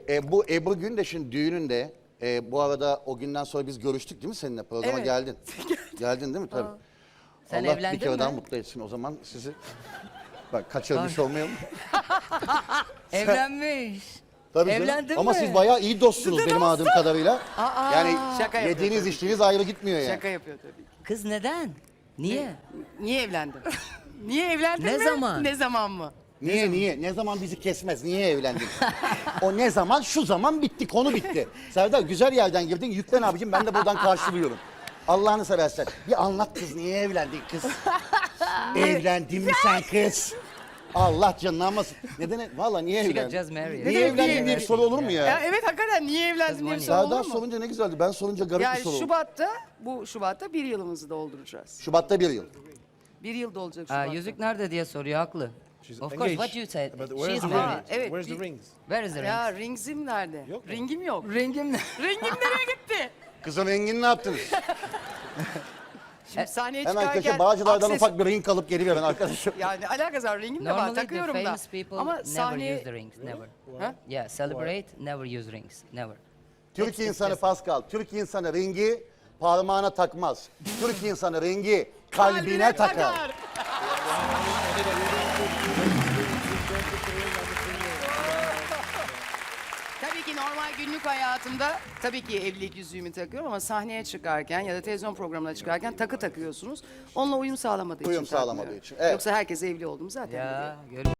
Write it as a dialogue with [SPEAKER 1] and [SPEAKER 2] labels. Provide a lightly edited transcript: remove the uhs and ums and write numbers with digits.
[SPEAKER 1] Bu Ebru Gündeş'in düğününde bu arada o günden sonra biz görüştük değil mi seninle? Programa
[SPEAKER 2] Evet.
[SPEAKER 1] geldin. Geldin değil mi? Tabii.
[SPEAKER 3] Sen
[SPEAKER 1] Allah
[SPEAKER 3] evlendin
[SPEAKER 1] bir kere
[SPEAKER 3] mi?
[SPEAKER 1] daha mutlu etsin o zaman sizi. Bak kaçırmış olmayalım.
[SPEAKER 3] Evlenmiş.
[SPEAKER 1] Tabii canım.
[SPEAKER 3] Evlendin
[SPEAKER 1] Ama
[SPEAKER 3] mi?
[SPEAKER 1] siz bayağı iyi dostsunuz benim anladığım kadarıyla. Yani
[SPEAKER 2] Şaka yapıyor
[SPEAKER 1] yediğiniz
[SPEAKER 2] tabii.
[SPEAKER 1] içtiğiniz ayrı gitmiyor yani.
[SPEAKER 2] Şaka yapıyor tabii.
[SPEAKER 3] Kız neden? Niye?
[SPEAKER 2] Niye evlendin? Niye evlendin
[SPEAKER 3] Ne
[SPEAKER 2] mi?
[SPEAKER 3] zaman?
[SPEAKER 2] Ne zaman mı?
[SPEAKER 1] Niye? Ne zaman bizi kesmez? Niye evlendin? O ne zaman? Şu zaman bitti. Konu bitti. Serdar güzel yerden girdin. Yüklen abicim ben de buradan karşılıyorum. Allah'ını seversen. Bir anlat kız. Niye evlendin kız? Evlendin mi sen kız? Allah canını almasın. Neden? Valla niye
[SPEAKER 3] She got
[SPEAKER 1] evlendin?
[SPEAKER 3] just married.
[SPEAKER 1] Niye evlendin diye bir soru olur mu
[SPEAKER 2] Ya
[SPEAKER 1] ya?
[SPEAKER 2] evet hakikaten niye evlendin diye bir soru
[SPEAKER 1] Serdar
[SPEAKER 2] olur mu?
[SPEAKER 1] sorunca ne güzeldi. Ben sorunca garip bir
[SPEAKER 2] Yani
[SPEAKER 1] soru oldu.
[SPEAKER 2] bu Şubat'ta bir yılımızı dolduracağız.
[SPEAKER 1] Şubat'ta bir yıl.
[SPEAKER 2] Bir yıl dolacak
[SPEAKER 3] Aa,
[SPEAKER 2] Şubat'ta.
[SPEAKER 3] yüzük nerede diye soruyor haklı. Of course, what you said.
[SPEAKER 4] But where's
[SPEAKER 3] She's
[SPEAKER 4] the
[SPEAKER 3] married.
[SPEAKER 4] ring?
[SPEAKER 2] Evet,
[SPEAKER 4] Where's
[SPEAKER 2] bir-
[SPEAKER 4] the rings?
[SPEAKER 3] Where is the
[SPEAKER 2] Ya
[SPEAKER 3] ring?
[SPEAKER 2] ringsim nerede?
[SPEAKER 4] Yok mu?
[SPEAKER 2] Ringim yok.
[SPEAKER 3] Ringim ne?
[SPEAKER 2] Ringim nereye gitti?
[SPEAKER 1] Kızın rengini ne yaptınız?
[SPEAKER 2] Şimdi sahneye
[SPEAKER 1] Hemen
[SPEAKER 2] çıkarken...
[SPEAKER 1] köşe Bağcılar'dan
[SPEAKER 2] akses-
[SPEAKER 1] ufak bir ring alıp geri verin arkadaşım.
[SPEAKER 2] Yani alakası var ringim de var
[SPEAKER 3] Normally the
[SPEAKER 2] takıyorum da.
[SPEAKER 3] famous people
[SPEAKER 2] Ama
[SPEAKER 3] never
[SPEAKER 2] sahneye...
[SPEAKER 3] use the rings, never.
[SPEAKER 2] Ha?
[SPEAKER 3] Yeah, celebrate, never use rings, never.
[SPEAKER 1] Türk insanı Pascal, Türk insanı ringi parmağına takmaz. Türk insanı ringi kalbine takar.
[SPEAKER 2] Tabii ki normal günlük hayatımda tabii ki evlilik yüzüğümü takıyorum ama sahneye çıkarken ya da televizyon programına çıkarken takı takıyorsunuz. Onunla uyum sağlamadığı için
[SPEAKER 1] Uyum sağlamadığı
[SPEAKER 2] takmıyorum.
[SPEAKER 1] için, evet.
[SPEAKER 2] Yoksa herkes evli oldum zaten.
[SPEAKER 3] Ya,
[SPEAKER 2] biliyor.